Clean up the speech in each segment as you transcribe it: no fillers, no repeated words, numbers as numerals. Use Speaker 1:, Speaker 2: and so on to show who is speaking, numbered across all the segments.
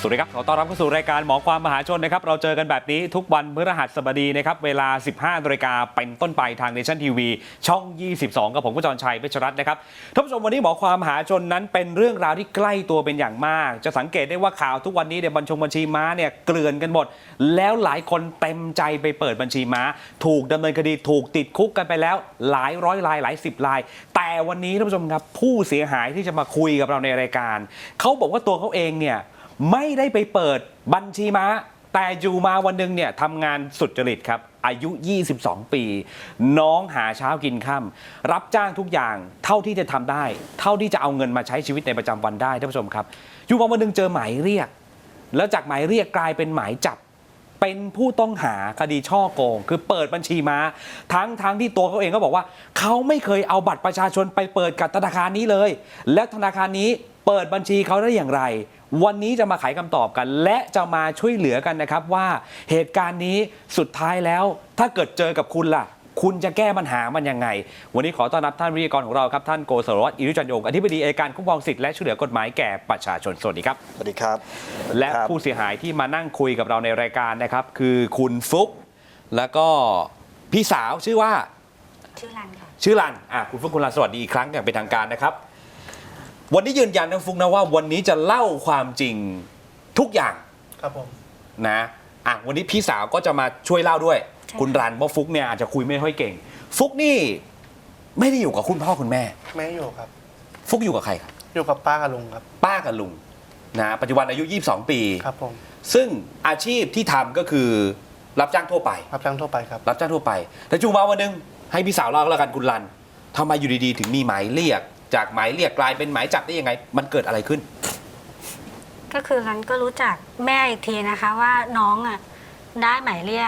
Speaker 1: สวัสดีครับขอต้อนรับเข้าสู่รายการหมอความมหาชนนะครับเราเจอกันแบบนี้ทุกวันพฤหัสบดีนะครับเวลา 15 นาฬิกาเป็นต้นไปทางเนชั่นทีวีช่อง 22 กับผมกุจรชัยเพชรรัตน์นะครับท่านผู้ชมวันนี้หมอความมหาชนนั้นเป็นเรื่องราวที่ใกล้ตัวเป็นอย่างมากจะสังเกตได้ว่าข่าวทุกวันนี้เนี่ยบัญชีม้าเนี่ยเกลื่อนกันหมดแล้วหลายคนเต็มใจไปเปิดบัญชีม้าถูกดำเนินคดีถูกติดคุกกันไปแล้วหลายร้อยรายหลายสิบรายแต่วันนี้ท่านผู้ชมครับผู้เสียหายที่จะมาคุยกับเราในรายการเขาบอกว่าตัวเขาเองเนี่ยไม่ได้ไปเปิดบัญชีม้าแต่อยู่มาวันหนึ่งเนี่ยทำงานสุจริตครับอายุ 22 ปีน้องหาเช้ากินค่ำรับจ้างทุกอย่างเท่าที่จะทำได้เท่าที่จะเอาเงินมาใช้ชีวิตในประจำวันได้ท่านผู้ชมครับอยู่มาวันหนึ่งเจอหมายเรียกแล้วจากหมายเรียกกลายเป็นหมายจับเป็นผู้ต้องหาคดีช่อโกงคือเปิดบัญชีม้าทั้งที่ตัวเขาเองก็บอกว่าเขาไม่เคยเอาบัตรประชาชนไปเปิดกับธนาคารนี้เลยและธนาคารนี้เปิดบัญชีเขาได้อย่างไรวันนี้จะมาไขคำตอบกันและจะมาช่วยเหลือกันนะครับว่าเหตุการณ์นี้สุดท้ายแล้วถ้าเกิดเจอกับคุณล่ะคุณจะแก้ปัญหามันยังไงวันนี้ขอต้อนรับท่านวิทยากรของเราครับท่านโกศลวัฒน์ อิรุจันยงอธิบดีอัยการคุ้มครองสิทธิและช่วยเหลือกฎหมายแก่ประชาชนสวัสดีครับ
Speaker 2: สวัสดีครับ
Speaker 1: และผู้เสียหายที่มานั่งคุยกับเราในรายการนะครับคือคุณฟุ๊กแล้วก็พี่สาวชื่อว่า
Speaker 3: ชื่อรันค่ะ
Speaker 1: ชื่อรันคุณฟุ๊กคุณรันสวัสดีอีกครั้งอย่างเป็นทางการนะครับวันนี้ยืนยันนะฟุ๊กนะว่าวันนี้จะเล่าความจริงทุกอย่าง
Speaker 2: ครับผม
Speaker 1: นะวันนี้พี่สาวก็จะมาช่วยเล่าด้วยคุณรันเพราะฟุ๊กเนี่ยอาจจะคุยไม่ค่อยเก่งฟุ๊กนี่ไม่ได้อยู่กับคุณพ่อคุณแม่
Speaker 2: ไม่อยู่ครับ
Speaker 1: ฟุ๊กอยู่กับใครครับ
Speaker 2: อยู่กับป้ากับลุงครับ
Speaker 1: ป้ากับลุงนะปัจจุบันอายุ22 ปี
Speaker 2: ครับผม
Speaker 1: ซึ่งอาชีพที่ทำก็คือรับจ้างทั่วไป
Speaker 2: รับจ้างทั่วไปครับ
Speaker 1: รับจ้างทั่วไปแต่จู่มาวันนึงให้พี่สาวเล่าแล้วกันคุณรันทำไมอยู่ดีๆถึงมีหมายเรียกจากหมายเรียกกลายเป็นหมายจับได้ยังไงมันเกิดอะไรขึ้น
Speaker 3: ก็คือรันก็รู้จักแม่อีกทีนะคะว่าน้องได้หมายเรียก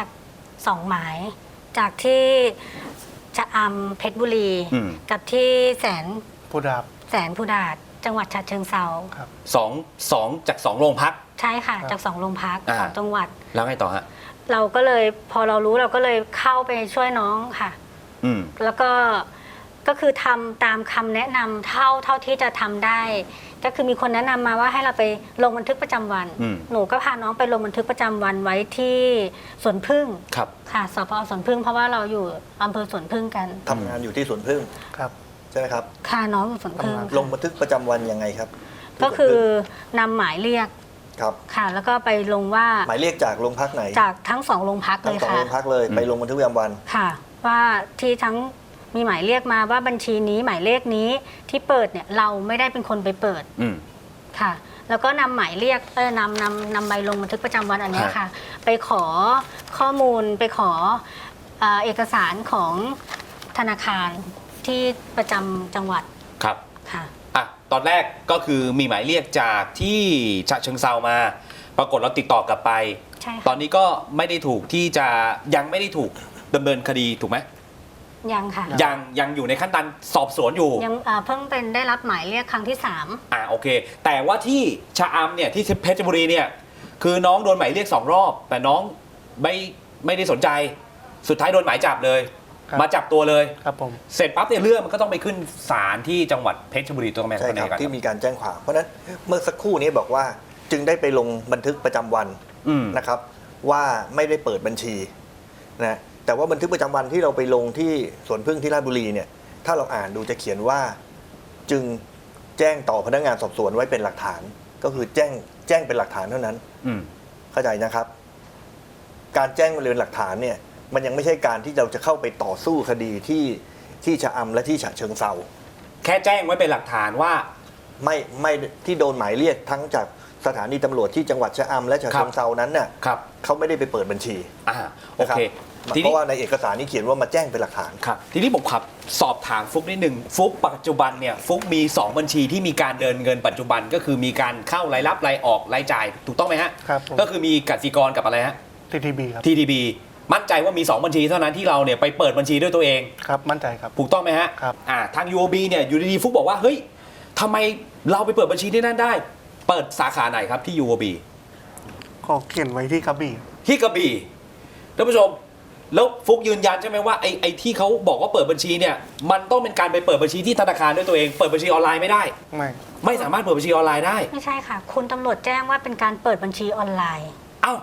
Speaker 3: 2 หมายจากที่ชะอำเพชรบุรีกับที่แสน
Speaker 2: ผู้ดาบ
Speaker 3: จังหวัดฉะเชิงเทรา
Speaker 1: ครับสองจาก2โรงพัก
Speaker 3: ใช่ค่ะจาก2โรงพักของจังหวัด
Speaker 1: แล้วไงต่อฮะ
Speaker 3: เราก็เลยพอเรารู้เราก็เลยเข้าไปช่วยน้องค่ะแล้วก็คือทำตามคำแนะนำเท่าที่จะทำได้ก็คือมีคนแนะนำมาว่าให้เราไปลงบันทึกประจำวันหนูก็พาน้องไปลงบันทึกประจำวันไว้ที่สวนผึ้งค่ะสพ.สวนผึ้งเพราะว่าเราอยู่อำเภอสวนผึ้งกัน
Speaker 2: ทำงานอยู่ที่สวนผึ้งครับใช่ไหมครับ
Speaker 3: ค่ะน้องอยู่สวนผึ้ง
Speaker 2: ลงบันทึกประจำวันยังไงครับ
Speaker 3: ก็คือนำหมายเรียก
Speaker 2: ครับ
Speaker 3: ค่ะแล้วก็ไปลงว่า
Speaker 2: หมายเรียกจากโรงพักไหน
Speaker 3: จากทั้ง2โรงพักเลยค่ะ
Speaker 2: ทั้ง2โรงพักเลยไปลงบันทึกประจำวัน
Speaker 3: ค่ะว่าที่ทั้งมีหมายเรียกมาว่าบัญชีนี้หมายเลขนี้ที่เปิดเนี่ยเราไม่ได้เป็นคนไปเปิดค่ะแล้วก็นำหมายเรียกนำใบลงบันทึกประจำวันอันนี้ค่ะไปขอข้อมูลไปขอเอกสารของธนาคารที่ประจำจังหวัด
Speaker 1: ครับค่ะตอนแรกก็คือมีหมายเรียกจากที่ฉะเชิงเทรามาปรากฏเราติดต่อกลับไปตอนนี้ก็ไม่ได้ถูกที่จะยังไม่ได้ถูกดำเนินคดีถูกไหม
Speaker 3: ยังค่ะ
Speaker 1: ยังอยู่ในขั้นตอนสอบสวนอยู่
Speaker 3: ยังเพิ่งเป็นได้รับหมายเรียกครั้งที่
Speaker 1: 3โอเคแต่ว่าที่ชะอำเนี่ยที่เพชรบุรีเนี่ยคือน้องโดนหมายเรียก2 รอบแต่น้องไม่ได้สนใจสุดท้ายโดนหมายจับเลยมาจับตัวเลย
Speaker 2: ครับผม
Speaker 1: เสร็จปั๊บเนี่ยเรื่องมันก็ต้องไปขึ้นศาลที่จังหวัดเพชรบุรีตัวแม่
Speaker 2: ใช่ครับที่มีการแจ้งความเพราะนั้นเมื่อสักครู่นี้บอกว่าจึงได้ไปลงบันทึกประจำวันนะครับว่าไม่ได้เปิดบัญชีนะแต่ว่าบันทึกประจำวันที่เราไปลงที่สวนผึ้งที่ราชบุรีเนี่ยถ้าเราอ่านดูจะเขียนว่าจึงแจ้งต่อพนักงานสอบสวนไว้เป็นหลักฐานก็คือแจ้งเป็นหลักฐานเท่านั้นเข้าใจนะครับการแจ้งเป็นหลักฐานเนี่ยมันยังไม่ใช่การที่เราจะเข้าไปต่อสู้คดีที่ชะอำและที่ฉะเชิงเทรา
Speaker 1: แค่แจ้งไว้เป็นหลักฐานว่า
Speaker 2: ไม่ที่โดนหมายเรียกทั้งจากสถานีตำรวจที่จังหวัดชะอำและฉะเชิงเทรานั้นน่ะเขาไม่ได้ไปเปิดบัญชี
Speaker 1: โอเค
Speaker 2: เพราะว่าในเอกสารนี้เขียนว่ามาแจ้งเป็นหลักฐาน
Speaker 1: ครับทีนี้ผมขับสอบถามฟุ๊กนิดหนึ่งฟุ๊กปัจจุบันเนี่ยฟุ๊กมี2บัญชีที่มีการเดินเงินปัจจุบันก็คือมีการเข้ารายรับรายออกรายจ่ายถูกต้องไหมฮะ
Speaker 2: ครับ
Speaker 1: ก็คือมีกสิกรกับอะไรฮะ
Speaker 2: TTB ครับ
Speaker 1: TTB มั่นใจว่ามี2บัญชีเท่านั้นที่เราเนี่ยไปเปิดบัญชีด้วยตัวเอง
Speaker 2: ครับมั่นใจครับ
Speaker 1: ถูกต้องไหมฮะ
Speaker 2: ครับ
Speaker 1: ทาง UOB เนี่ยอยู่ดีๆฟุ๊กบอกว่าเฮ้ยทำไมเราไปเปิดบัญชีที่นั่นได้เปิดสาขาไหนครับที่ UOB
Speaker 2: ขอเขียนไว้ที่กระบี่
Speaker 1: ท่านผู้ชมแล้วฟุกยืนยันใช่ไหมว่าไอ้ที่เขาบอกว่าเปิดบัญชีเนี่ยมันต้องเป็นการไปเปิดบัญชีที่ธนาคารด้วยตัวเองเปิดบัญชีออนไลน์ไม่ได้ ไม่สามารถเปิดบัญชีออนไลน์ได้
Speaker 3: ไม่ใช่ค่ะ คุณตำรวจแจ้งว่าเป็นการเปิดบัญชีออนไลน์
Speaker 1: เอ้า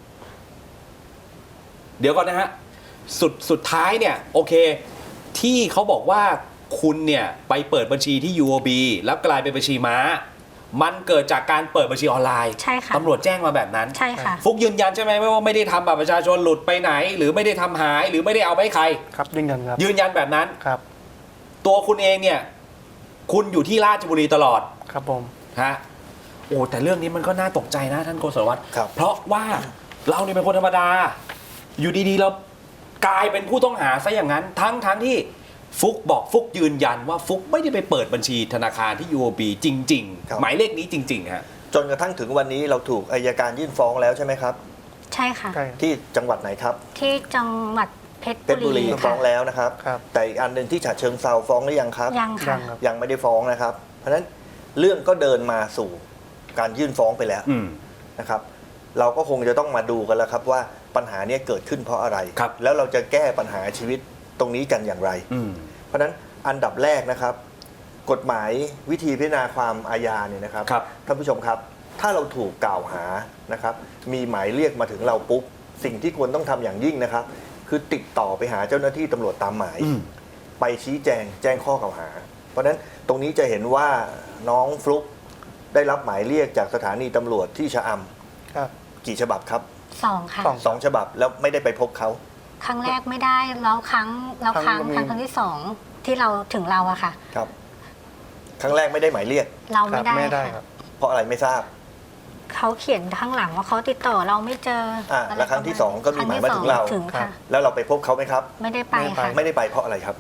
Speaker 1: เดี๋ยวก่อนนะฮะสุดท้ายเนี่ยโอเคที่เขาบอกว่าคุณเนี่ยไปเปิดบัญชีที่ UOB แล้วกลายเป็นบัญชีม้ามันเกิดจากการเปิดบัญชีออนไลน์
Speaker 3: ใช่ค่ะ
Speaker 1: ตำรวจแจ้งมาแบบนั้น
Speaker 3: ใช่ค่ะ
Speaker 1: ฟุกยืนยันใช่ไหมว่าไม่ได้ทำบัตรประชาชนหลุดไปไหน หรือไม่ได้ทำหายหรือไม่ได้เอาไปให้ใคร
Speaker 4: ครับยืนยันครับ
Speaker 1: ยืนยันแบบนั้น
Speaker 4: ครับ
Speaker 1: ตัวคุณเองเนี่ยคุณอยู่ที่ราชบุรีตลอด
Speaker 4: ครับผม
Speaker 1: ฮะโอ้แต่เรื่องนี้มันก็น่าตกใจนะท่านโกศลวัฒน์
Speaker 2: ครับ
Speaker 1: เพราะว่าเราเนี่ยเป็นคนธรรมดา อยู่ดีๆเรากลายเป็นผู้ต้องหาซะอย่างนั้น ทั้งที่ฟุกบอกฟุกยืนยันว่าฟุกไม่ได้ไปเปิดบัญชีธนาคารที่ UOB จริง
Speaker 2: ครับ
Speaker 1: ๆ หมายเลขนี้จริงๆฮะ
Speaker 2: จนกระทั่งถึงวันนี้เราถูกอัยการยื่นฟ้องแล้วใช่ไหมครับ
Speaker 3: ใช่ค่ะ
Speaker 4: ใช่
Speaker 2: ที่จังหวัดไหนครับ
Speaker 3: ที่จังหวัดเพชร
Speaker 2: เพชรบุ
Speaker 3: บุ
Speaker 2: รี
Speaker 3: รี
Speaker 2: ฟ้
Speaker 3: ค่ะ
Speaker 2: องแล้วนะครับ
Speaker 4: ครับ
Speaker 2: แต่อีกอันหนึ่งที่ฉะเชิงเซาฟ้องหรือยังครับ
Speaker 3: ยัง
Speaker 4: ยั
Speaker 3: ค่ะ
Speaker 4: งครับ
Speaker 2: ยังไม่ได้ฟ้องนะครับ เพราะฉะนั้นเรื่องก็เดินมาสู่การยื่นฟ้องไปแล้ว
Speaker 1: อืม
Speaker 2: นะครับ เราก็คงจะต้องมาดูกันแล้วครับว่าปัญหาเนี้เกิดขึ้นเพราะอะไร
Speaker 1: ครับ
Speaker 2: แล้วเราจะแก้ปัญหาชีวิตตรงนี้กันอย่างไร
Speaker 1: อืม
Speaker 2: เพราะฉะนั้นอันดับแรกนะครับ กฎหมายวิธีพิจารณาความอาญาเนี่ยนะครับ
Speaker 1: ครับ
Speaker 2: ท่านผู้ชมครับ ถ้าเราถูกกล่าวหานะครับ มีหมายเรียกมาถึงเราปุ๊บสิ่งที่ควรต้องทำอย่างยิ่งนะครับ คือติดต่อไปหาเจ้าหน้าที่ตำรวจตามหมาย
Speaker 1: อืม
Speaker 2: ไปชี้แจงข้อกล่าวหา เพราะฉะนั้นตรงนี้จะเห็นว่าน้องฟลุ๊กได้รับหมายเรียกจากสถานีตำรวจที่ชะอำ
Speaker 4: ครับ
Speaker 2: กี่ฉบับครับ
Speaker 3: สองค่ะ
Speaker 4: สอง
Speaker 2: 2 ฉบับแล้วไม่ได้ไปพบเขา
Speaker 3: ครั้งแรกไม่ได้แล้วครั้ง
Speaker 4: ครั้งมี
Speaker 3: ครั้งที่สองที่เราถึงเราอะค่ะ
Speaker 2: ครับ ครั้งแรกไม่ได้หมายเรียก
Speaker 3: เรา
Speaker 4: ครั
Speaker 3: ไม่
Speaker 4: บ
Speaker 3: ได้
Speaker 4: ไม่ได้ครั
Speaker 3: ค่ะ
Speaker 4: บ
Speaker 2: เพราะอะไรไม่ทราบ
Speaker 3: เขาเขียนข้างหลังว่าเขาติดต่อเราไม่เจออะ
Speaker 2: แล้วครั้งที่สองก็มีหมายมาถึงเรา
Speaker 3: ครั้ที่สอถึง
Speaker 4: ครั
Speaker 3: ค่ะ
Speaker 4: บ
Speaker 2: แล้วเราไปพบเขาไหมครับ
Speaker 3: ไม่ได้ไป
Speaker 4: ไม่ได้ไป
Speaker 3: ค่ะ
Speaker 2: ไม่ได้ไปเพราะอะไรครับ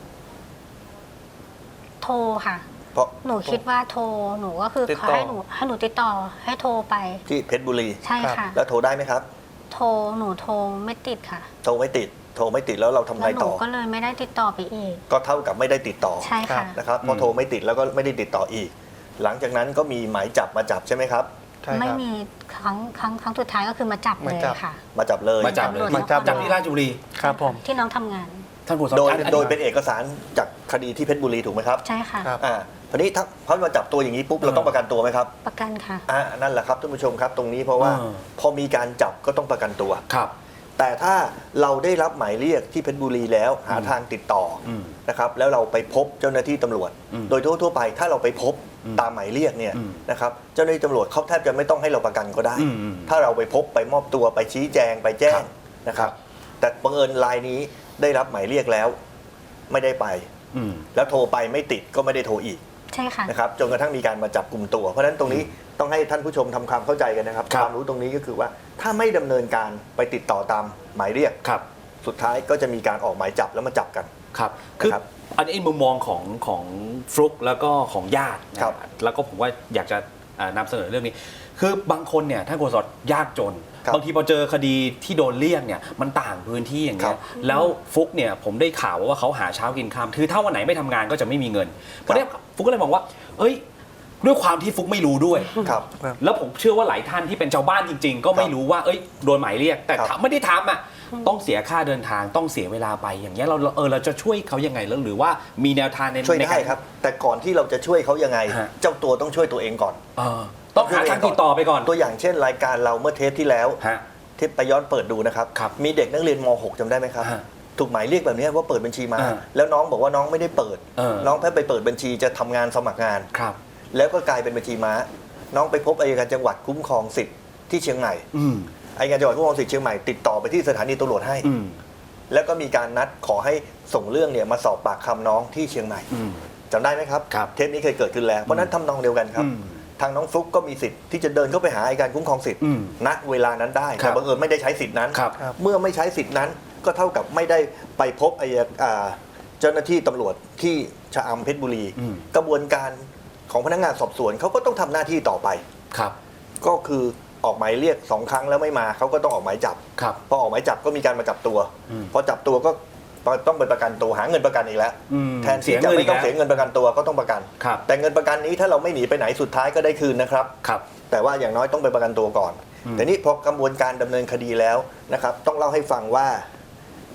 Speaker 3: โทรค่ะ
Speaker 2: เพราะ
Speaker 3: หนูคิดว่าโทรหนูก็คือ
Speaker 4: ติด
Speaker 3: เขา
Speaker 4: ต่อ
Speaker 3: ให้หนูติดต่อให้โทรไป
Speaker 2: ที่เพชรบุรี
Speaker 3: ใช่ค่ะ
Speaker 2: แล้วโทรได้ไหมครับ
Speaker 3: โทรหนูโทรไม่ติดค่ะ
Speaker 2: โทรไม่ติดแล้วเราทำ
Speaker 3: แล้
Speaker 2: ไง
Speaker 3: วหนู
Speaker 2: ต่อ
Speaker 3: ก็เลยไม่ได้ติดต่อไปอีก
Speaker 2: ก็เท่ากับไม่ได้ติดต่อ
Speaker 3: ใช่ค่ะ
Speaker 2: นะครับพอ
Speaker 1: อืม
Speaker 2: โทรไม่ติดแล้วก็ไม่ได้ติดต่ออีก หลังจากนั้นก็มีหมายจับมาจับใช่ไหมครับ
Speaker 4: ใช่
Speaker 3: ไม่
Speaker 4: ครับ
Speaker 3: มีครั้งสุดท้ายก็คือมาจับเล
Speaker 4: มาย จับ
Speaker 3: ค่ะ
Speaker 2: มาจับเลย
Speaker 1: มาจับเลย
Speaker 3: ตำรวจ
Speaker 1: จับที่ราชบุรี
Speaker 4: ครับผม
Speaker 3: ที่น้องทำงาน
Speaker 1: ท่านโฆษล
Speaker 2: โดย
Speaker 1: อันนี้
Speaker 2: โดยเป็นเอกสารจากคดีที่เพชรบุรีถูกไหมครับ
Speaker 3: ใช่ค่ะ
Speaker 4: ครับ
Speaker 2: ทีนี้ถ้าเขามาจับตัวอย่างนี้ปุ๊บเราต้องประกันตัวไหมครับ
Speaker 3: ประกันค่ะ
Speaker 2: นั่นแหละครับท่านผู้ชมครับตรงนี้เพราะว่าพอมีการจับก็ต้องประกันตัว
Speaker 1: ครับ
Speaker 2: แต่ถ้าเราได้รับหมายเรียกที่เพชรบุรีแล้วหาทางติดต่ออ
Speaker 1: ม
Speaker 2: นะครับแล้วเราไปพบเจ้าหน้าที่ตำรวจ
Speaker 1: อืม
Speaker 2: โดยทั่วๆไปถ้าเราไปพบ
Speaker 1: อืม
Speaker 2: ตามหมายเรียกเนี่ย
Speaker 1: อืม
Speaker 2: นะครับเจ้าหน้าที่ตำรวจเขาแทบจะไม่ต้องให้เราประกันก็ได้
Speaker 1: อืม
Speaker 2: ถ้าเราไปพบไปมอบตัวไปชี้แจงไปแจ้
Speaker 1: ครั
Speaker 2: ง
Speaker 1: บ
Speaker 2: นะครับ แต่บังเอิญรายนี้ได้รับหมายเรียกแล้ว ไม่ได้ไป
Speaker 1: อืม
Speaker 2: แล้วโทรไปไม่ติดก็ไม่ได้โทรอีก
Speaker 3: ใช่ค่ะ
Speaker 2: นะครับจนกระทั่งมีการมาจับกลุ่มตัว เพราะฉะนั้นตรงนี้ต้องให้ท่านผู้ชมทำความเข้าใจกันนะครับ
Speaker 1: ครับ
Speaker 2: ความรู้ตรงนี้ก็คือว่าถ้าไม่ดำเนินการไปติดต่อตามหมายเรียก
Speaker 1: ครับ
Speaker 2: สุดท้ายก็จะมีการออกหมายจับแล้วมาจับกัน
Speaker 1: ครับคือ
Speaker 2: นะครับ
Speaker 1: อันนี้มุมมองของฟลุกแล้วก็ของญาตินะครับ แล้วก็ผมว่าอยากจะนำเสนอเรื่องนี้ คือบางคนเนี่ยท่านโฆษกยากจน
Speaker 2: ครับ
Speaker 1: บางทีพอเจอคดีที่โดนเลี่ยงเนี่ยมันต่างพื้นที่อย่างเงี้
Speaker 2: ครั
Speaker 1: ย
Speaker 2: บ
Speaker 1: แล้วฟุกเนี่ยผมได้ข่าวว่าเขาหาเช้ากินค่ำคือถ้าวันไหนไม่ทำงานก็จะไม่มีเงินเพราะเนี้ยฟุกก็เลยมองว่า เอ้ยด้วยความที่ฟุกไม่รู้ด้วย
Speaker 2: ครับ
Speaker 1: แล้วผมเชื่อว่าหลายท่านที่เป็นชาวบ้านจริง ๆ ก็ไม่รู้ว่าเอ้ยโดนหมายเรียก แต่
Speaker 2: ครับ
Speaker 1: ถ้าไม่ได้ทำอ่ะต้องเสียค่าเดินทางต้องเสียเวลาไปอย่างเงี้ยเราจะช่วยเขายังไงแล้วหรือว่ามีแนวทางใน
Speaker 2: ช่วย
Speaker 1: ใน
Speaker 2: ได้
Speaker 1: การ
Speaker 2: ครับ แต่ก่อนที่เราจะช่วยเขายังไง
Speaker 1: ฮะ
Speaker 2: เจ้าตัวต้องช่วยตัวเองก่อน
Speaker 1: เออต้องหาทางติดต่อไปก่อน
Speaker 2: ตัวอย่างเช่น รายการเราเมื่อเทปที่แล้ว
Speaker 1: ฮะ
Speaker 2: เทปไปย้อนเปิดดูนะครับ
Speaker 1: ครับ
Speaker 2: มีเด็กนักเรียนม .6 จำได้ไหมครับ
Speaker 1: ฮะ
Speaker 2: ถูกหมายเรียกแบบนี้ว่าเปิดบัญชีมา
Speaker 1: อ่า
Speaker 2: แล้วน้องบอกว่าน้องไม่ได้เปิด น้องแค่ไปเปิดบัญชีจะทำงานสมัครงาน
Speaker 1: ครับ
Speaker 2: แล้วก็กลายเป็นบัญชีม้า น้องไปพบอัยการจังหวัดคุ้มครองสิทธิ์ที่เชียงใหม่
Speaker 1: อืม
Speaker 2: อัยการจังหวัดคุ้มครองสิทธิ์เชียงใหม่ติดต่อไปที่สถานีตำรวจให้
Speaker 1: อืม
Speaker 2: แล้วก็มีการนัดขอให้ส่งเรื่องเนี่ยมาสอบปากคำน้องที่เชียงใหม่
Speaker 1: อืม
Speaker 2: จำได้ไหมครับ
Speaker 1: ครับ
Speaker 2: เทปนี้เคยเกิดขึ้นแล้วเพราะฉะนั้นทำนองเดียวกันครับ
Speaker 1: อืม
Speaker 2: ทางน้องฟลุ๊กก็มีสิทธิ์ที่จะเดินเข้าไปหาอัยการคุ้มครองสิทธิ์
Speaker 1: อืม
Speaker 2: ณเวลานั้นได้
Speaker 1: ครั
Speaker 2: แต่
Speaker 1: บ
Speaker 2: บังเอิญไม่ได้ใช้สิทธิ์นั้น
Speaker 1: ครับ
Speaker 4: ครับ
Speaker 2: เมื่อไม่ใช้สิทธิ์นั้นก็เท่ากับไม่ได้ไปพบเจ้าหน้าที่ตำรวจที่ชะอำเพชรบุรี
Speaker 1: อืม
Speaker 2: กระบวนการของพนักงานสอบสวนเขาก็ต้องทำหน้าที่ต่อไป
Speaker 1: ครับ
Speaker 2: ก็คือออกหมายเรียก2 ครั้งแล้วไม่มาเขาก็ต้องออกหมายจับ
Speaker 1: ครับ
Speaker 2: พอออกหมายจับก็มีการมาจับตัว
Speaker 1: อืม
Speaker 2: พอจับตัวก็ต้องไปประกันตัวหาเงินประกันอีกแล้ว
Speaker 1: อืม
Speaker 2: แทนที่จะไม่ต้องเสียเงินประกันตัวก็ต้องประกัน
Speaker 1: ครับ
Speaker 2: แต่เงินประกันนี้ถ้าเราไม่หนีไปไหนสุดท้ายก็ได้คืนนะครับ
Speaker 1: ครับ
Speaker 2: แต่ว่าอย่างน้อยต้องไปประกันตัวก่อน
Speaker 1: อืม
Speaker 2: แต่นี่พอกระบวนการดำเนินคดีแล้วนะครับ ต้องเล่าให้ฟังว่า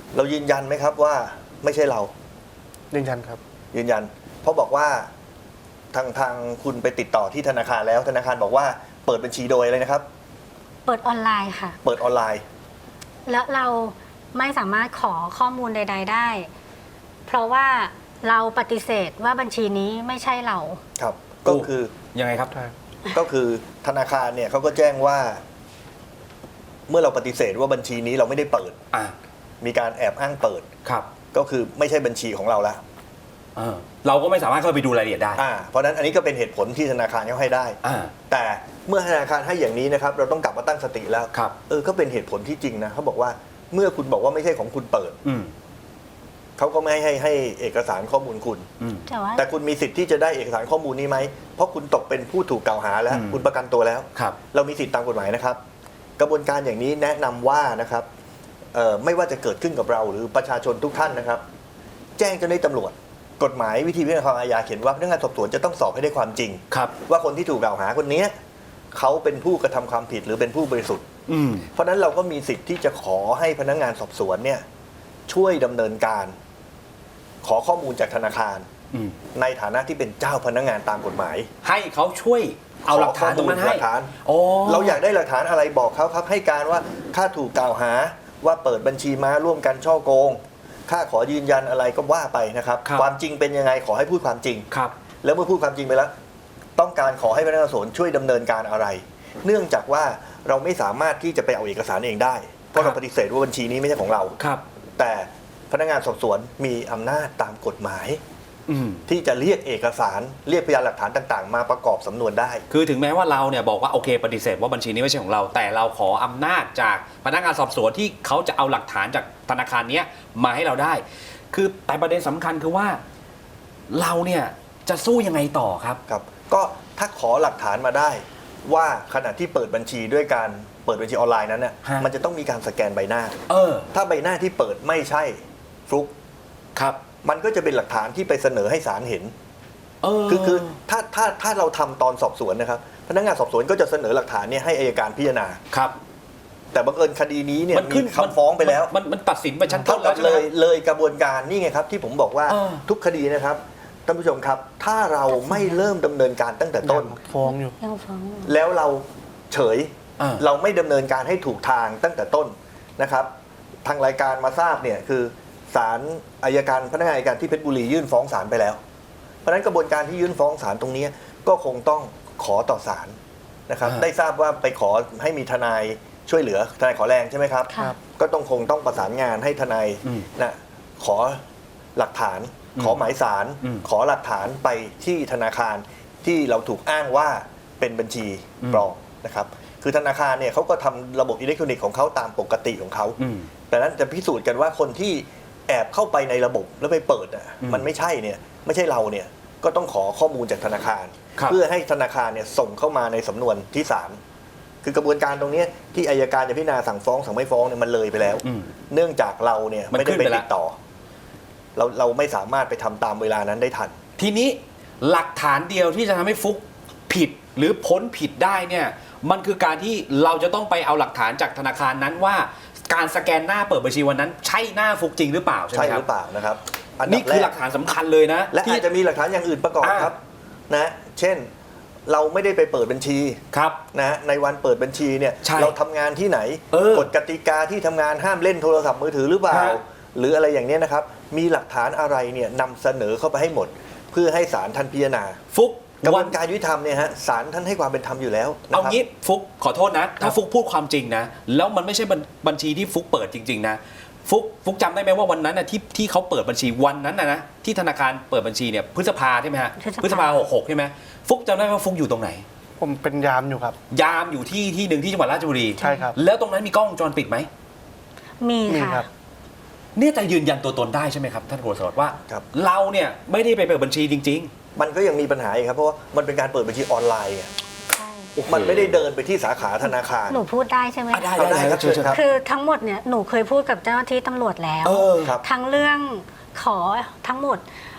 Speaker 2: เรายืนยันไหมครับว่าไม่ใช่เรา
Speaker 4: ยืนยันครับ
Speaker 2: ยืนยัน เพราะบอกว่าทางคุณไปติดต่อที่ธนาคารแล้วธนาคารบอกว่าเปิดบัญชีโดยอะไรนะครับ
Speaker 3: เปิดออนไลน์ค่ะ
Speaker 2: เปิดออนไลน์
Speaker 3: แล้วเราไม่สามารถขอข้อมูลใด ๆได้ เพราะว่าเราปฏิเสธว่าบัญชีนี้ไม่ใช่เรา
Speaker 2: ครับ ก็คือ
Speaker 1: ยังไงครับ
Speaker 4: ใช่
Speaker 2: ก็คือธนาคารเนี่ยเขาก็แจ้งว่า เมื่อเราปฏิเสธว่าบัญชีนี้เราไม่ได้เปิด
Speaker 1: อ่า
Speaker 2: มีการแอบอ้างเปิด
Speaker 1: ครับ
Speaker 2: ก็คือไม่ใช่บัญชีของเราแล้ว
Speaker 1: เราก็ไม่สามารถเข้าไปดูรายละเอียดได้
Speaker 2: เพราะฉะนั้นอันนี้ก็เป็นเหตุผลที่ธนาคารเขาให้ได้
Speaker 1: อ่า
Speaker 2: แต่เมื่อธนาคารให้อย่างนี้นะครับ เราต้องกลับมาตั้งสติแล้ว
Speaker 1: ครับ
Speaker 2: ก็เป็นเหตุผลที่จริงนะเขาบอกว่าเมื่อคุณบอกว่าไม่ใช่ของคุณเปิด
Speaker 1: อืม
Speaker 2: เขาก็ไม่ให้เอกสารข้อมูลคุณ
Speaker 1: อืม
Speaker 3: แต่ว่า
Speaker 2: แต่คุณมีสิทธิ์ที่จะได้เอกสารข้อมูลนี้ไหมเพราะคุณตกเป็นผู้ถูกกล่าวหาแล้ว
Speaker 1: อืม
Speaker 2: คุณประกันตัวแล้ว
Speaker 1: ครับ
Speaker 2: เรามีสิทธิ์ตามกฎหมายนะครับ กระบวนการอย่างนี้แนะนำว่านะครับไม่ว่าจะเกิดขึ้นกับเราหรือประชาชนทุกท่านนะครับ แจ้งเจ้าหน้าที่ตำรวจ กฎหมายวิธีพิจารณาความอาญาเขียนว่าพนักงานสอบสวนจะต้องสอบให้ได้ความจริง
Speaker 1: ครับ
Speaker 2: ว่าคนที่ถูกกล่าวหาคนนี้เขาเป็นผู้กระทำความผิดหรือเป็นผู้บริสุทธิ์
Speaker 1: อืม
Speaker 2: เพราะฉะนั้นเราก็มีสิทธิ์ที่จะขอให้พนักงานสอบสวนเนี่ยช่วยดำเนินการ ขอข้อมูลจากธนาคาร
Speaker 1: อืม
Speaker 2: ในฐานะที่เป็นเจ้าพนักงานตามกฎหมาย
Speaker 1: ให้เขาช่วยเอาหลักฐานตรงนั้น
Speaker 2: ห
Speaker 1: ให้
Speaker 2: ลักฐาน
Speaker 1: โอ้
Speaker 2: เราอยากได้หลักฐานอะไรบอกเขาครับ ให้การว่าข้าถูกกล่าวหาว่าเปิดบัญชีม้าร่วมกันช่อโกงข้าขอยืนยันอะไรก็ว่าไปนะครับ ความจริงเป็นยังไงขอให้พูดความจริง
Speaker 1: ครับ
Speaker 2: แล้วเมื่อพูดความจริงไปแล้ว ต้องการขอให้พนักงานสอบสวนช่วยดำเนินการอะไร เนื่องจากว่าเราไม่สามารถที่จะไปเอาเอกสารเองได้ เพราะเราปฏิเสธว่าบัญชีนี้ไม่ใช่ของเรา
Speaker 1: ครับ
Speaker 2: แต่พนักงานสอบสวนมีอำนาจตามกฎหมาย
Speaker 1: อืม
Speaker 2: ที่จะเรียกเอกสารเรียกพยานหลักฐานต่างๆ มาประกอบสำนวนได้
Speaker 1: คือถึงแม้ว่าเราเนี่ยบอกว่าโอเคปฏิเสธว่าบัญชีนี้ไม่ใช่ของเรา แต่เราขออำนาจจากพนักงานสอบสวนที่เขาจะเอาหลักฐานจากธนาคารเนี้ยมาให้เราได้ คือแต่ประเด็นสำคัญคือว่าเราเนี่ยจะสู้ยังไงต่อครับ
Speaker 2: ครับก็ถ้าขอหลักฐานมาได้ว่าขณะที่เปิดบัญชีด้วยการเปิดบัญชีออนไลน์นั้นน่ะ
Speaker 1: ฮะ
Speaker 2: มันจะต้องมีการสแกนใบหน้า
Speaker 1: เออ
Speaker 2: ถ้าใบหน้าที่เปิดไม่ใช่ฟลุก
Speaker 1: ครับ
Speaker 2: มันก็จะเป็นหลักฐานที่ไปเสนอให้ศาลเห็น
Speaker 1: เออ
Speaker 2: คือถ้าเราทำตอนสอบสวนนะครับพนักงานสอบสวนก็จะเสนอหลักฐานเนี่ยให้อัยการพิจารณา
Speaker 1: ครับ
Speaker 2: แต่บังเอิญคดีนี้เนี่ย
Speaker 1: มันขึ้
Speaker 2: มี
Speaker 1: น
Speaker 2: คำฟ้องไปแล้ว
Speaker 1: มันตัดสินไปชั้นต้
Speaker 2: เท่าน
Speaker 1: แล้
Speaker 2: กั
Speaker 1: ว
Speaker 2: บ
Speaker 1: ใช่ไหม
Speaker 2: เลยกระบวนการนี่ไงครับที่ผมบอกว่า
Speaker 1: เออ
Speaker 2: ทุกคดีนะครับท่านผู้ชมครับ ถ้าเราไม่เริ่มดำเนินการตั้งแต่ต้น
Speaker 4: ฟ้องอยู่
Speaker 3: ยังฟ้องอยู่
Speaker 2: แล้วเราเฉย
Speaker 1: อ่า
Speaker 2: เราไม่ดำเนินการให้ถูกทางตั้งแต่ต้นนะครับ ทางรายการมาทราบเนี่ยคือศาลอัยการพนักงานอัยการที่เพชรบุรียื่นฟ้องศาลไปแล้ว เพราะฉะนั้นกระบวนการที่ยื่นฟ้องศาลตรงนี้ก็คงต้องขอต่อศาลนะครับ ได้ทราบว่าไปขอให้มีทนายช่วยเหลือทนายขอแรงใช่ไหมครับ
Speaker 3: ค่ะ
Speaker 2: ก็คงต้องประสานงานให้ทนาย
Speaker 1: อืม
Speaker 2: นะขอหลักฐาน
Speaker 1: อืม
Speaker 2: ขอหมายสาร
Speaker 1: อืม
Speaker 2: ขอหลักฐานไปที่ธนาคารที่เราถูกอ้างว่าเป็นบัญชี
Speaker 1: อืม
Speaker 2: ปลอมนะครับคือธนาคารเนี่ยเขาก็ทำระบบอิเล็กทรอนิกส์ของเขาตามปกติของเขา
Speaker 1: อืม
Speaker 2: แต่นั้นจะพิสูจน์กันว่าคนที่แอบเข้าไปในระบบแล้วไปเปิดอ่ะ
Speaker 1: อืม
Speaker 2: มันไม่ใช่เนี่ยไม่ใช่เราเนี่ยก็ต้องขอข้อมูลจากธนาคาร
Speaker 1: ครับ
Speaker 2: เพื่อให้ธนาคารเนี่ยส่งเข้ามาในสำนวนที่ศาลคือกระบวนการตรงเนี้ยที่อัยการจะพิจารณาสั่งฟ้องสั่งไม่ฟ้องเนี่ยมันเลยไปแล้ว
Speaker 1: อืม
Speaker 2: เนื่องจากเราเนี่ย
Speaker 1: มัน
Speaker 2: ไม่ได้
Speaker 1: ขึ้น
Speaker 2: ไป
Speaker 1: ไปแล้ว
Speaker 2: ติดต่อ เราไม่สามารถไปทำตามเวลานั้นได้ทัน
Speaker 1: ทีนี้หลักฐานเดียวที่จะทำให้ฟุกผิดหรือพ้นผิดได้เนี่ยมันคือการที่เราจะต้องไปเอาหลักฐานจากธนาคารนั้นว่าการสแกนหน้าเปิดบัญชีวันนั้น ใช่หน้าฟุกจริงหรือเปล่าใช่ไห
Speaker 2: ใช่
Speaker 1: มค
Speaker 2: ห
Speaker 1: รับ
Speaker 2: รือเปล่านะครับนดับ
Speaker 1: นี่คือหลัก
Speaker 2: แร
Speaker 1: ฐานสำคัญเลยนะ
Speaker 2: และ
Speaker 1: ที่
Speaker 2: อาจจะมีหลักฐานอย่างอื่นประกอบ
Speaker 1: อ่า
Speaker 2: ครับนะเช่นเราไม่ได้ไปเปิดบัญชี
Speaker 1: ครับ
Speaker 2: นะในวันเปิดบัญชีเนี่ย
Speaker 1: ใช่
Speaker 2: เราทำงานที่ไหน กฎกติกาที่ทำงานห้ามเล่นโทรศัพท์มือถือหรือเปล่า
Speaker 1: ฮะ
Speaker 2: หรืออะไรอย่างเนี้ยนะครับ มีหลักฐานอะไรเนี่ยนำเสนอเข้าไปให้หมด เพื่อให้ศาลท่านพิจารณา
Speaker 1: ฟุก
Speaker 2: กระบ
Speaker 1: วั
Speaker 2: วน นการยุติธรรมเนี่ยฮะศาลท่านให้ความเป็นธรรมอยู่แล้วนะ
Speaker 1: เอา
Speaker 2: ครับ
Speaker 1: งี้ฟุกขอโทษนะ ถ้าฟุกพูดความจริงนะ แล้วมันไม่ใช่บัญชีที่ฟุกเปิดจริง ๆ นะ ฟุกจำได้ไหมว่าวันนั้นนะที่เขาเปิดบัญชีวันนั้นนะที่ธนาคารเปิดบัญชีเนี่ยพฤษภาใช่ไหมฮะ
Speaker 3: พฤษภา
Speaker 1: 66ใช่ไหมฟุกจำได้ว่าฟุกอยู่ตรงไหน
Speaker 4: ผมเป็นยามอยู่ครับ
Speaker 1: ยามอยู่ที่หนึ่งที่จังหวัดราชบุรี
Speaker 4: ใช่ครับ
Speaker 1: แล้วตรงนั้นมีกล้องวงจรปิดไหม
Speaker 3: มี
Speaker 4: มี
Speaker 3: ค่ะ
Speaker 4: ครับ
Speaker 1: เนี่ยจะยืนยันตัวตนได้ใช่ไหมครับท่านโฆษกว่า
Speaker 2: ครับ
Speaker 1: เราเนี่ยไม่ได้ไปเปิดบัญชีจริง
Speaker 2: มันก็ยังมีปัญหาอีกครับเพราะว่ามันเป็นการเปิดบัญชีออนไลน์อะ
Speaker 3: ใช่
Speaker 2: มันไม่ได้เดินไปที่สาขาธนาคาร
Speaker 3: หนูพูดได้ใช่ไหม
Speaker 1: ๆได้
Speaker 2: เอาได้ครับ
Speaker 1: เชิญ
Speaker 2: เชิญครับ
Speaker 3: คือทั้งหมดเนี่ยหนูเคยพูดกับเจ้าหน้าที่ตำรวจแล้ว
Speaker 1: เออ
Speaker 2: ครับ
Speaker 3: ทั้งเรื่องขอทั้งหมด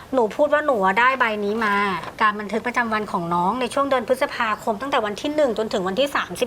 Speaker 3: หนูพูดว่าหนูได้ใบนี้มา การบันทึกประจำวันของน้องในช่วงเดือนพฤษภาคมตั้งแต่วันที่ 1 จนถึงวันที่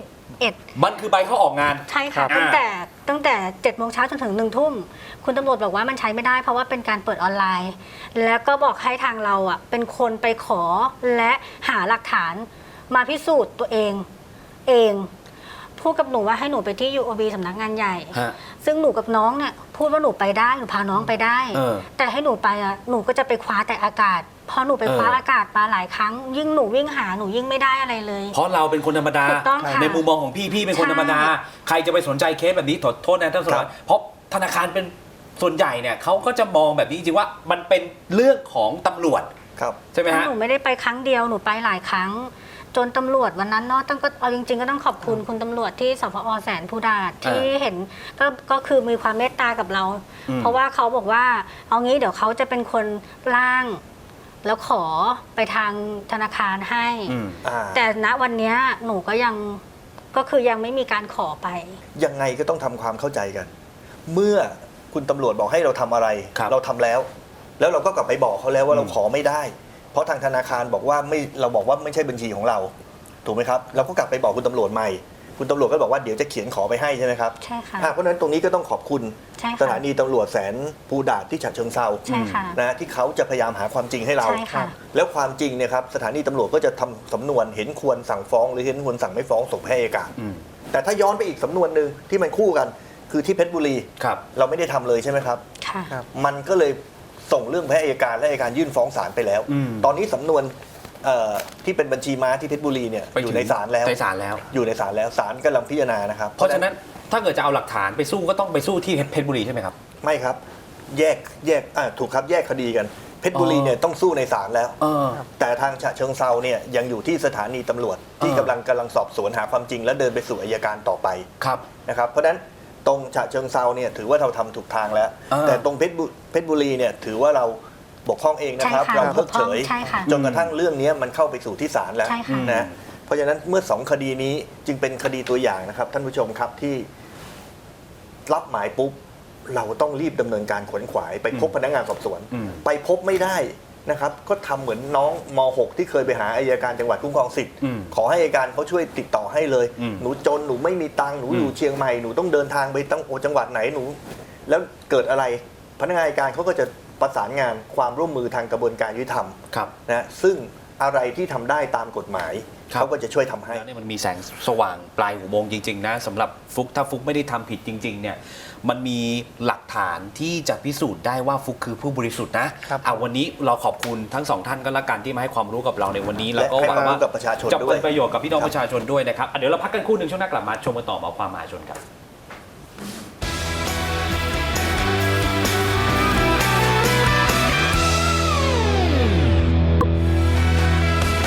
Speaker 3: 31
Speaker 1: มันคือใบเข้าออกงาน
Speaker 3: ใช่ค่ะ
Speaker 1: ครับ
Speaker 3: ตั้งแต่7 โมงเช้าจนถึง1 ทุ่มคุณตำรวจบอกว่ามันใช้ไม่ได้เพราะว่าเป็นการเปิดออนไลน์ แล้วก็บอกให้ทางเราอ่ะเป็นคนไปขอและหาหลักฐานมาพิสูจน์ตัวเองพูดกับหนูว่าให้หนูไปที่ UOB สำนักงานใหญ่
Speaker 1: ฮะ
Speaker 3: ซึ่งหนูกับน้องเนี่ยพูดว่าหนูไปได้หนูพาน้องไปได้ แต่ให้หนูไปอ่ะหนูก็จะไปคว้าแต่อากาศพอหนูไปคว้าอากาศมาหลายครั้ง ยิ่งหนูวิ่งหาหนูยิ่งไม่ได้อะไรเลย
Speaker 1: เพราะเราเป็นคนธรรมดา
Speaker 3: ถูกต้องค่ะ
Speaker 1: ในมุมมองของพี่เป็นคนธรรมดา
Speaker 3: ใช่
Speaker 1: ใครจะไปสนใจเคสแบบนี้โทษนะท่านสารวัตรเพราะธนาคารเป็นส่วนใหญ่เนี่ยเขาก็จะมองแบบนี้จริงๆว่ามันเป็นเรื่องของตำรวจ
Speaker 2: ครับ
Speaker 1: ใช่ไหมฮะ
Speaker 3: หนูไม่ได้ไปครั้งเดียวหนูไปหลายครั้ง จนตำรวจวันนั้นเนาะต้องก็เอาจริงๆก็ต้องขอบคุณคุณตำรวจที่สพอแสนภูดาษที่เห็นก็คือมีความเมตตากับเรา เพราะว่าเขาบอกว่าเอางี้เดี๋ยวเขาจะเป็นคนร่าง แล้วขอไปทางธนาคารให้ แต่ณวันเนี้ยหนูก็ยังไม่มีการขอไป
Speaker 2: ยังไงก็ต้องทำความเข้าใจกัน เมื่อคุณตำรวจบอกให้เราทำอะไร
Speaker 1: ครับ
Speaker 2: เราทำแล้ว แล้วเราก็กลับไปบอกเขาแล้วว่าเราขอไม่ได้ เพราะทางธนาคารบอกว่าเราบอกว่าไม่ใช่บัญชีของเรา ถูกไหมครับ เราก็กลับไปบอกคุณตำรวจใหม่ คุณตำรวจก็บอกว่าเดี๋ยวจะเขียนขอไปให้ใช่ไหมครับ
Speaker 3: ใช่ค่ะ
Speaker 2: เพราะฉะนั้นตรงนี้ก็ต้องขอบคุณ
Speaker 3: ใช่ค่ะ
Speaker 2: สถานีตำรวจแสนภูดาษที่ฉะเชิงเทรา
Speaker 3: ใช่ค่ะ
Speaker 2: นะที่เขาจะพยายามหาความจริงให้เรา
Speaker 3: ใช่ค่ะ
Speaker 2: แล้วความจริงเนี่ยครับสถานีตำรวจก็จะทำสำนวนเห็นควรสั่งฟ้องหรือเห็นควรสั่งไม่ฟ้องส่งให้อัยการ แต่ถ้าย้อนไปอีกสำนวนหนึ่งที่มันคู่กัน คือที่เพชรบุรี
Speaker 1: ครับ
Speaker 2: เราไม่ได้ทำเลยใช่ไหมครับ
Speaker 3: ค่ะ
Speaker 2: มันก็เลยส่งเรื่องไปให้อัยการและอัยการยื่นฟ้องศาลไปแล้ว ตอนนี้สำนวนที่เป็นบัญชีม้าที่เพชรบุรีเนี่ย
Speaker 1: ไปถึง
Speaker 2: อยู่ในศาลแล้ว
Speaker 1: ในศาลแล้ว
Speaker 2: อยู่ในศาลแล้วศาลกำลังพิจารณานะครับ
Speaker 1: เพราะฉะนั้นถ้าเกิดจะเอาหลักฐานไปสู้ก็ต้องไปสู้ที่เพชรบุรีใช่ไหมครับ
Speaker 2: ไม่ครับแยกถูกครับแยกคดีกันเพชรบุรีเนี่ยต้องสู้ในศาลแล้ว แต่ทางฉะเชิงเซาเนี่ยยังอยู่ที่สถานีตำรวจที่กำลังสอบสวนหาความจริง และเดินไปสู่อัยการต่อไป
Speaker 1: ครับ
Speaker 2: นะครับเพราะฉะนั้นตรงฉะเชิงเซาเนี่ยถือว่าเราทำถูกทางแล้ว แต่ตรงเพชรบุรีเนี่ยถือว่าเราบกพร่องเองนะครับ
Speaker 3: ใช่ค่ะ
Speaker 2: เราเพิกเฉย
Speaker 3: ใช่ค่ะ
Speaker 2: จนกระทั่งเรื่องนี้มันเข้าไปสู่ที่ศาลแล้ว
Speaker 3: ใช่ค่ะ
Speaker 2: นะเพราะฉะนั้นเมื่อสองคดีนี้จึงเป็นคดีตัวอย่างนะครับ ท่านผู้ชมครับที่รับหมายปุ๊บเราต้องรีบดำเนินการขวนขวายไปพบพนักงานสอบสวน ไปพบไม่ได้นะครับก็ทำเหมือนน้องม .6 ที่เคยไปหาอัยการจังหวัดคุ้มครองสิทธิ์ขอให้อัยการเขาช่วยติดต่อให้เลย หนูจนหนูไม่มีตังค์หนูอยู่เชียงใหม่หนูต้องเดินทางไปตั้งจังหวัดไหนหนูแล้วเกิดอะไรพนักงานอัยการเขาก็จะประสานงานความร่วมมือทางกระบวนการยุติธรรม
Speaker 1: ครับ
Speaker 2: นะซึ่งอะไรที่ทำได้ตามกฎหมาย
Speaker 1: ครับ
Speaker 2: เขาก็จะช่วยทำให้
Speaker 1: แล้วเนี่ยมันมีแสงสว่างปลายอุโมงค์จริงๆนะสำหรับฟุกถ้าฟุกไม่ได้ทำผิดจริงๆเนี่ยมันมีหลักฐานที่จะพิสูจน์ได้ว่าฟุกคือผู้บริสุทธิ์นะครับ วันนี้เราขอบคุณทั้งสองท่านก็แล้วกันที่มาให้ความรู้กับเราในวันนี้แล้วก็
Speaker 2: และให้
Speaker 1: หวังว่า
Speaker 2: ความรู้กับประชาชน
Speaker 1: จะ
Speaker 2: ด้ว
Speaker 1: เป็
Speaker 2: ย
Speaker 1: นประโยชน์กับพี่น้องประชาชนด้วยนะครับเดี๋ยวเราพักกันครู่หนึ่งช่วงหน้ากลับมาชมกันต่อหมอความมหาชนครับ